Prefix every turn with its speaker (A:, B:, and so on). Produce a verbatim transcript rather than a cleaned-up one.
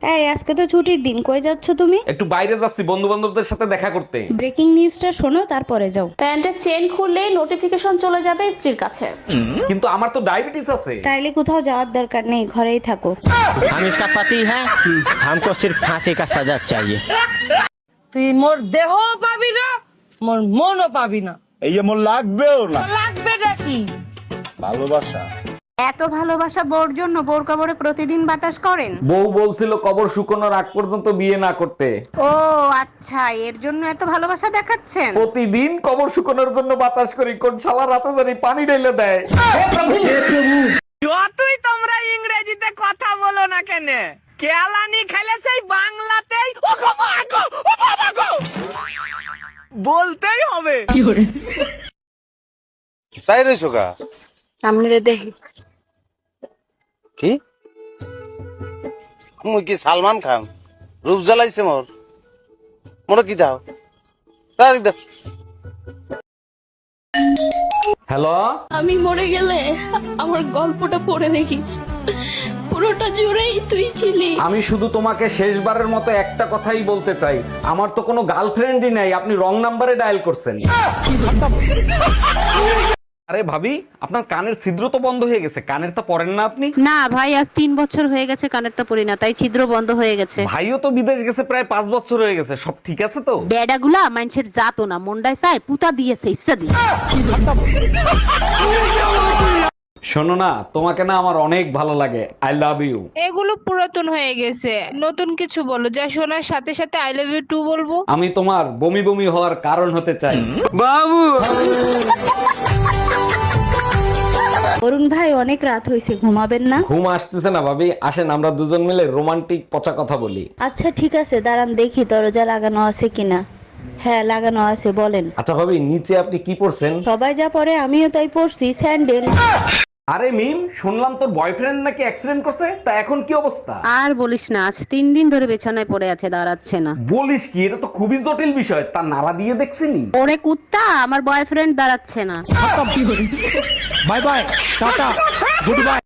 A: এই আজকে তো ছুটির দিন, কই যাচ্ছ তুমি?
B: একটু বাইরে যাচ্ছি বন্ধু বান্ধবদের সাথে দেখা করতে।
A: ব্রেকিং নিউজটা শোনো তারপরে যাও।
C: প্যান্টের চেন খুললেই নোটিফিকেশন চলে যাবে স্ত্রীর কাছে।
B: কিন্তু আমার তো ডায়াবেটিস আছে।
A: তাইলে কোথাও যাওয়ার দরকার নেই, ঘরেই থাকো।
D: हम इसका पति है हमको सिर्फ फांसी का सजा चाहिए।
E: তুই মোর দেহ পাবি না, মোর মনও পাবি না।
F: এই যে মোর লাগবেও না।
E: লাগবে নাকি?
F: ভালোবাসা
G: এত ভালোবাসা বোর জন্য বোর কবরে প্রতিদিন বাতাস করেন?
B: বউ বলছিল কবর শুকানোর আগ পর্যন্ত বিয়ে না করতে।
G: ও আচ্ছা, এর জন্য এত ভালোবাসা দেখাচ্ছেন।
B: প্রতিদিন কবর শুকানোর জন্য বাতাস করি, কোন শালা রাতে জানি পানি ঢেলে দেয়।
E: যতই তোমরা ইংরেজিতে কথা বলো না কেন, কেলানি খেলে সেই বাংলাতেই ও গো মা গো, ও বাবা গো বলতেই হবে।
F: চাই রইছো কা
C: সামনে দেখি
F: কি মুই কি সালমান খান রূপ জ্বালাইছে মোর মোর কি দাও দাও দাও।
B: হ্যালো,
H: আমি মরে গেলে আমার গল্পটা পড়ে দেখিস, পুরোটা জুড়েই তুই ছিলি।
B: আমি শুধু তোমাকে শেষবারের মতো একটা কথাই বলতে চাই, আমার তো কোনো গার্লফ্রেন্ডই নাই, আপনি রং নাম্বারে ডায়াল করছেন। আরে ভাবি, আপনার কানের ছিদ্র তো বন্ধ হয়ে গেছে, কানের তো পরেন না আপনি?
G: না ভাই, আজ তিন বছর হয়ে গেছে কানের তো পরি না, তাই ছিদ্র বন্ধ হয়ে গেছে।
B: ভাইও তো বিদেশ গেছে প্রায় পাঁচ বছর হয়ে গেছে, সব ঠিক আছে তো?
G: বেডাগুলা মানুষের জাতো না, মন্ডায় চায় পুতা দিয়েছে ইচ্ছা দিয়ে।
B: শোনো না, তোমাকে না আমার অনেক ভালো লাগে, আই লাভ ইউ।
I: এগুলো পুরাতন হয়ে গেছে, নতুন কিছু বলো যা শোনার সাথে সাথে আই লাভ ইউ টু বলবো।
B: আমি তোমার বমি বমি হওয়ার কারণ হতে চাই।
E: বাবু
A: অরুণ ভাই, অনেক রাত হয়েছে, ঘুমাবেন না?
B: ঘুম আসতেছে না ভাবি, আসেন আমরা দুজন মিলে রোমান্টিক পচা কথা বলি।
A: আচ্ছা ঠিক আছে, দাঁড়ান দেখি দরজা লাগানো আছে কিনা। হ্যাঁ লাগানো আছে, বলেন।
B: আচ্ছা ভাবি, নিচে আপনি কি পরছেন?
A: সবাই যা পরে আমিও তাই পরছি, স্যান্ডেল।
B: আরে মিম, শুনলাম তোর বয়ফ্রেন্ড নাকি অ্যাক্সিডেন্ট করছে, তা এখন কি অবস্থা?
G: আর বলিস না, আজ তিন দিন ধরে বিছানায় পড়ে আছে, দাঁড়াচ্ছে না।
B: বলিস কি, এটা তো খুবই জটিল বিষয়, তা নাড়া দিয়ে দেখছিনি?
G: ওরে কুত্তা, আমার বয়ফ্রেন্ড দাঁড়াচ্ছে না।
D: Bye bye tata good bye.